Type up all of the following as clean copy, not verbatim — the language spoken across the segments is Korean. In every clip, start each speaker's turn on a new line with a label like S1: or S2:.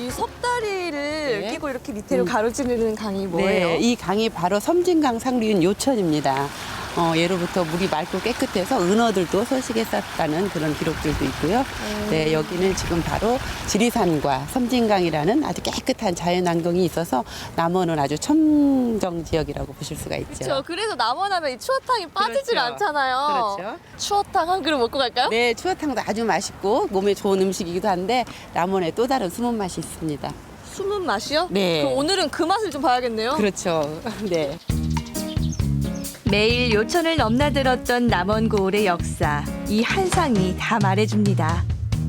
S1: 이 섭다리를
S2: 네.
S1: 끼고 이렇게 밑으로 가로지르는 강이 뭐예요?
S2: 네, 이 강이 바로 섬진강 상류인 요천입니다. 예로부터 물이 맑고 깨끗해서 은어들도 서식했었다는 그런 기록들도 있고요. 네, 여기는 지금 바로 지리산과 섬진강이라는 아주 깨끗한 자연환경이 있어서 남원은 아주 청정 지역이라고 보실 수가 있죠.
S1: 그렇죠. 그래서 남원하면 이 추어탕이 빠지질
S2: 그렇죠.
S1: 않잖아요.
S2: 그렇죠.
S1: 추어탕 한 그릇 먹고 갈까요?
S2: 네, 추어탕도 아주 맛있고 몸에 좋은 음식이기도 한데 남원에 또 다른 숨은 맛이 있습니다.
S1: 숨은 맛이요?
S2: 네.
S1: 그럼 오늘은 그 맛을 좀 봐야겠네요.
S2: 그렇죠. 네.
S3: 매일 요천을 넘나들었던 남원 고을의 역사, 이 한상이 다 말해줍니다.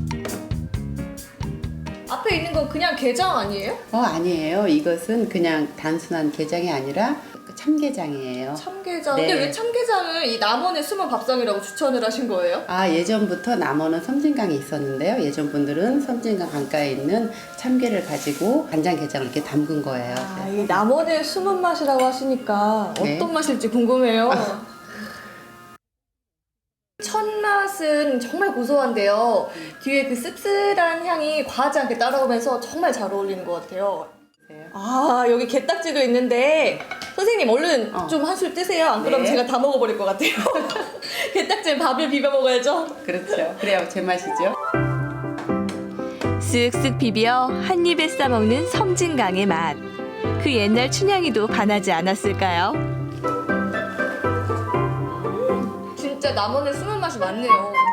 S1: 앞에 있는 건 그냥 게장 아니에요?
S2: 아니에요. 이것은 그냥 단순한 게장이 아니라 참게장이에요.
S1: 참게장.
S2: 네.
S1: 근데 왜 참게장을 이 남원의 숨은 밥상이라고 추천을 하신 거예요?
S2: 예전부터 남원은 섬진강이 있었는데요. 예전 분들은 섬진강 강가에 있는 참게를 가지고 간장게장을 이렇게 담근 거예요.
S1: 이 남원의 숨은 맛이라고 하시니까
S2: 네.
S1: 어떤 맛일지 궁금해요. 첫 맛은 정말 고소한데요. 뒤에 그 씁쓸한 향이 과하지 않게 따라오면서 정말 잘 어울리는 것 같아요. 여기 게딱지도 있는데 선생님 얼른 좀 한술 뜨세요. 안 그러면
S2: 네.
S1: 제가 다 먹어버릴 것 같아요. 게딱지에 밥을 비벼 먹어야죠.
S2: 그렇죠. 그래야 제맛이죠.
S3: 쓱쓱 비벼 한 입에 싸먹는 섬진강의 맛. 그 옛날 춘향이도 반하지 않았을까요?
S1: 진짜 남원의 숨은 맛이 많네요.